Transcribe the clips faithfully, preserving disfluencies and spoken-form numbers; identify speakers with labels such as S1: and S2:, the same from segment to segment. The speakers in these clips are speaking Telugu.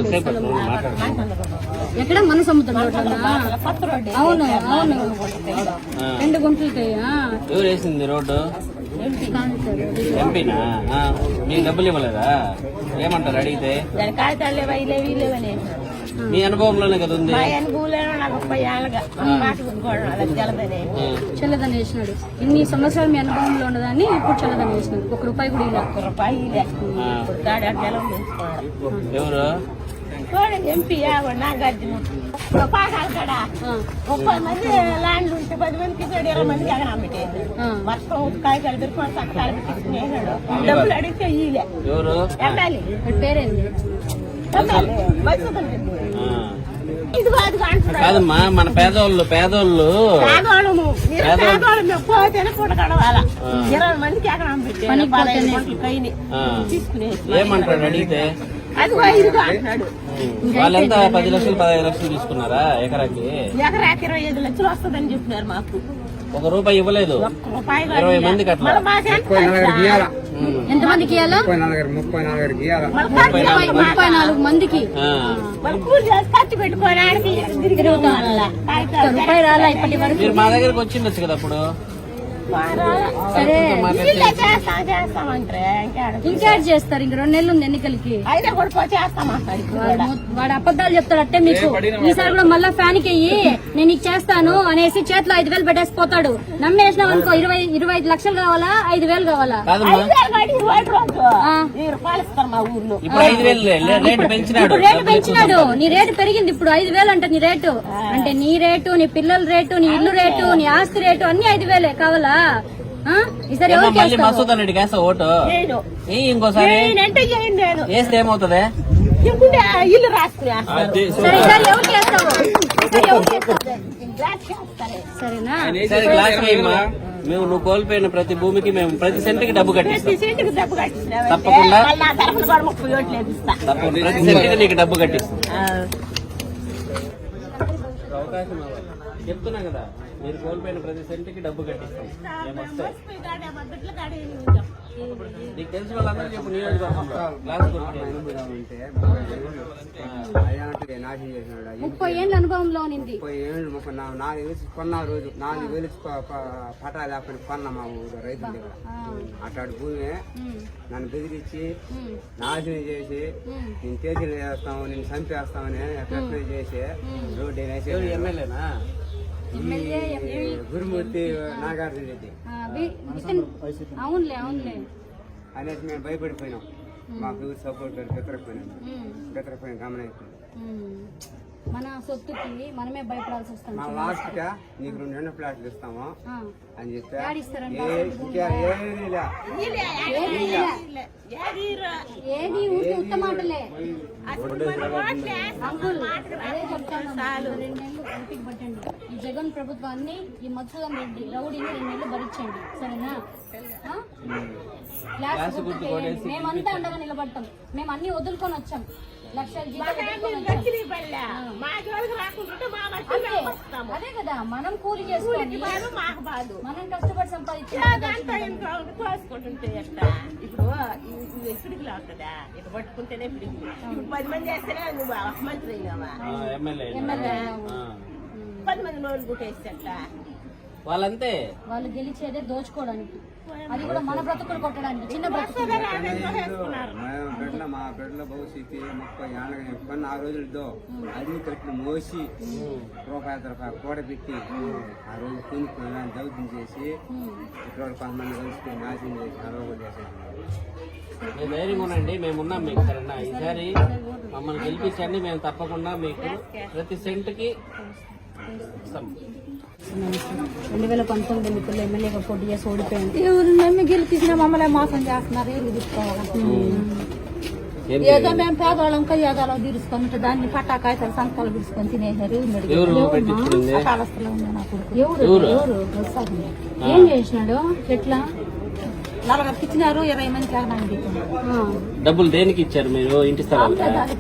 S1: ఎక్కడ మన సముద్రం అవును అవును రెండు గుంటలకి
S2: ఎవరు వేసింది రోడ్డు? ఎంపీనా? మీకు డబ్బులు ఇవ్వలేదా? ఏమంటారు అడిగితే? మీ అనుభవంలోనే కదా ఉంది.
S1: చల్లదని వేసినాడు. ఇన్ని సంవత్సరాలు మీ అనుభవంలో ఉన్నదాన్ని ఇప్పుడు చల్లదని వేసినాడు. ఒక రూపాయి కూడా ఇలా ఒక రూపాయి
S2: ఎవరు
S3: ఎంపీ నాగార్జున ముప్పై మంది ల్యాండ్లు ఉంటే పది మందికి ఇరవై మందికి ఎగనా పెట్టేది. వర్షం కాయకాయలు పెట్టుకుని చక్కలు పెట్టించుకునేసాడు. డబ్బులు అడిగితే ఇలే ఎమ్మెల్యే
S1: పేరేంది
S3: ఇది కాదు
S2: కాదమ్మా. మన పేదోళ్ళు పేదోళ్ళు
S3: పేదోళ్ళు పోతేనే పూట కడవాలా. ఇరవై మందికి ఎగనా పెట్టేది పదహైదు గంటలు కైని తీసుకునేసి
S2: ఏమంటాడు అడిగితే?
S3: అది ఐదుగా అంటున్నాడు.
S2: వాళ్ళంతా పది లక్షలు పదహైదు లక్షలు తీసుకున్నారా ఎకరాకి?
S3: ఎకరాకి ఇరవై ఐదు లక్షలు వస్తుందని చెప్పినారు మాకు.
S2: ఒక రూపాయి ఇవ్వలేదు. ఇరవై మందికి అట్లా
S1: ఎంత మందికి ముప్పై నాలుగు మందికి
S3: ఖర్చు పెట్టుకోవడానికి
S1: రూపాయి రాలా ఇప్పటి వరకు.
S2: మీరు మా దగ్గరకు వచ్చిండొచ్చు కదా అప్పుడు.
S1: సరే
S3: చేస్తామంటే
S1: ఇంకేడ్ చేస్తారు. ఇంక రెండు నెలలు ఉంది ఎన్నికలకి.
S3: అయినా కూడా చేస్తామంటాడు.
S1: వాడు అబద్ధాలు చెప్తాడు అట్టే మీకు. ఈసారి కూడా మళ్ళా ఫ్యాన్ కి అయ్యి నేను నీకు చేస్తాను అనేసి చేతిలో ఐదు వేలు పెట్టేసి పోతాడు. నమ్మేసినావు అనుకో ఇరవై ఇరవై ఐదు లక్షలు కావాలా ఐదు వేలు కావాలా? రేటు పెంచినాడు. నీ రేటు పెరిగింది ఇప్పుడు ఐదు వేలు అంటే నీ రేటు అంటే నీ రేటు నీ పిల్లల రేటు నీ ఇల్లు రేటు నీ ఆస్తి రేటు అన్ని ఐదు వేలే కావాలా? ఈసారి
S2: మసూద్ అన్నిటికి వేస్తా ఓటు ఇంకోసారి వేస్తే ఏమవుతుంది?
S3: ఇల్లు రాసుకునే
S1: సరేనా?
S2: మేము నువ్వు కోల్పోయిన ప్రతి భూమికి మేము ప్రతి సెంటుకి డబ్బు కట్టిస్తాం.
S3: డబ్బు కట్టిస్తా
S2: తప్పకుండా
S3: ముప్పై ఓట్లు వేపిస్తా.
S2: ప్రతి సెంటుకి నీకు డబ్బు కట్టిస్తాం. అవకాశం చెప్తున్నా కదా, మీరు కోల్పోయిన ప్రతి సెంటుకి డబ్బు కట్టిస్తాం. నీకు తెలిసిన వాళ్ళందరూ చెప్పు.
S1: ముప్పై ఏళ్ళ అనుభవంలో ఉంది.
S4: ముప్పై ఏళ్ళు ముప్పై నాలుగు వేసి కొన్న రోజు నాలుగు వేలు పటా లేకపోతే కొన్న మా ఊరు రైతుల దగ్గర. అట్లాంటి భూమి నన్ను బెదిరించి నాశనం చేసి నేను కేజీలు చేస్తాము నేను చంపేస్తామని ఎట్లా చేసి రోడ్డు వేసి
S2: ఎమ్మెల్యేనా
S4: గురుమూర్తి నాగార్జున రెడ్డి
S1: అవునులే అవునులే
S4: అనేది మేము భయపడిపోయినాం. మాకు సపోర్ట్ బెతరపోయినాం బెతరపోయిన గమనైపోయింది.
S1: మన సొత్తుకి మనమే భయపడాల్సి వస్తుంది.
S4: మా లాస్ట్ గా నీకు రెండు రెండు ఫ్లాట్లు ఇస్తాము అని చెప్పి
S1: ఏది ఊరికి ఉత్త మాటలే. అంకుల్ అదే చెప్తాను, రెండు నెలలు ఓపిక పట్టండి. ఈ జగన్ ప్రభుత్వాన్ని ఈ మధుసూదన్ రెడ్డి రౌడీని రెండు నెలలు భరించండి సరేనా? మేమంతా అండగా నిలబడతాం. మేము అన్ని వదులుకొని వచ్చాం. లక్షల అదే కదా మనం కూలి చేసుకోండి. మనం కష్టపడి సంపాదించుకుంటే
S3: ఇప్పుడు ఎక్కడికి లాగుతుందా? ఇటు పట్టుకుంటేనే ఇప్పుడు పది మంది వేస్తేనే నువ్వు మంత్రి అయినావా?
S1: ఎమ్మెల్యే
S3: పది మంది నోళ్ళు గుట్టేస్తా.
S2: వాళ్ళంతే
S1: వాళ్ళు గెలిచేదే దోచుకోవడానికి. అది కూడా మన బ్రతుకులు కొట్టడానికి. చిన్న బ్రతుకులు
S4: బిడ్డ మా బిడ్డల భవిష్యత్తు ముప్పై ఏళ్ళ కొన్ని ఆ రోజులతో అది కట్టిన మోసి రూపాయల రూపాయలు కూడబెట్టి ఆ రోజు కొనుక్కొని దౌత్యం చేసి ఇక్కడ కొంతమంది కలుసుకుని నాశనం చేసి అరవై చేసేది.
S2: ధైర్యం ఉండండి, మేమున్నాం మీకు సరేనా? ఈసారి మమ్మల్ని గెలిపించండి, మేము తప్పకుండా మీకు ప్రతి సెంటుకి ఇస్తాం.
S1: రెండు వేల పంతొమ్మిది ఎన్నికల్లో ఎమ్మెల్యేగా పోటీ చేసి ఓడిపోయింది.
S3: ఎవరు మేము గెలిపించిన మమ్మల్ని మోసం చేస్తున్నారు. ఎవరు తీసుకోవాలి? ఏదో మేము పేదవాళ్ళం కయ్యాదాలో తీరుసుకొని దాన్ని పట్టాకాయతలు సంతకాలు తీసుకొని తినేసారు.
S1: ఏం చేసినాడు? ఎట్లా
S3: నలుగురికి ఇచ్చినారు, ఇరవై మందికి ఎగనాలి.
S2: డబ్బులు దేనికి ఇచ్చారు మీరు? ఇంటి స్థలాలు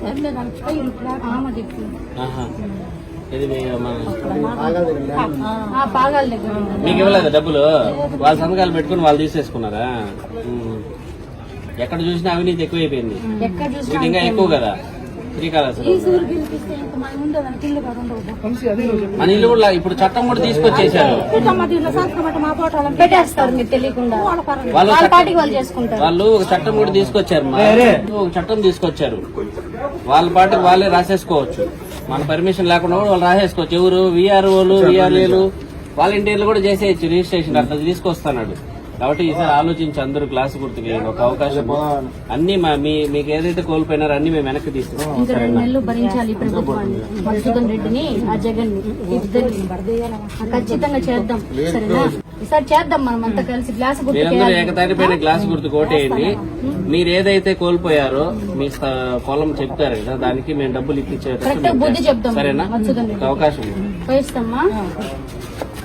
S2: మీకు ఇవ్వలేదా డబ్బులు? వాళ్ళ సంతకాలు పెట్టుకుని వాళ్ళు తీసేసుకున్నారా? ఎక్కడ చూసినా అవినీతి ఎక్కువైపోయింది. ఇంకా ఎక్కువ కదా. శ్రీకాళహస్తి
S3: ఈ సూరు గెలిపిస్తే ఇంకా మన ఉండేదానికి ఇల్లు కూడా ఉండవు.
S2: మన ఇల్లు కూడా ఇప్పుడు చట్టం కూడా తీసుకొచ్చేసారు.
S3: ఇట్లా దీంట్లో సంతకం పెట్టి మా ఫోటోలను
S1: పెట్టేస్తారు మీరు తెలియకుండా
S3: వాళ్ళ పరంగా
S2: వాళ్ళు
S1: వాళ్ళ
S2: చట్టం-
S1: పాటికి వాళ్ళు చేసుకుంటారు.
S2: వాళ్ళు ఒక చట్టం కూడా తీసుకొచ్చారు మా ఒక చట్టం తీసుకొచ్చారు. వాళ్ళ పాటికి వాళ్ళే రాసేసుకోవచ్చు. మన పర్మిషన్ లేకుండా కూడా వాళ్ళు రాసేసుకోవచ్చు. ఎవరు విఆర్ఓలు విఆర్ఏలు వాలంటీర్లు కూడా చేసేయచ్చు రిజిస్ట్రేషన్. అట్లా తీసుకొస్తున్నాడు. కాబట్టి ఈసారి ఆలోచించి అందరూ క్లాస్ గుర్తుకి ఒక అవకాశం అన్ని మా- మీ మీకు ఏదైతే కోల్పోయినారో అన్ని మేము వెనక్కి తీసుకుంటాం.
S1: ఇంకా రెండు నెలలు భరించాలి ఈ ప్రభుత్వాన్ని, మధుసూదన్ రెడ్డిని ఆ జగన్ ని ఇద్దరిని ఖచ్చితంగా చేద్దాం. సరేనా? ఈసారి చేద్దాం మనం అంతా కలిసి గ్లాస్ గుర్తు
S2: మీరందరూ ఏకతాటిపైన గ్లాస్ గుర్తు కోటేయండి. మీరు ఏదైతే కోల్పోయారో మీ స్థ- పొలం చెప్తారు కదా, దానికి మేము డబ్బులు ఇప్పించేటట్టు
S1: కరెక్ట్ బుద్ధి చెప్దాం.
S2: సరేనా?
S1: మధుసూదన్ రెడ్డి
S2: ఒక అవకాశం ఉంది.
S1: పోయిస్తామ్మా.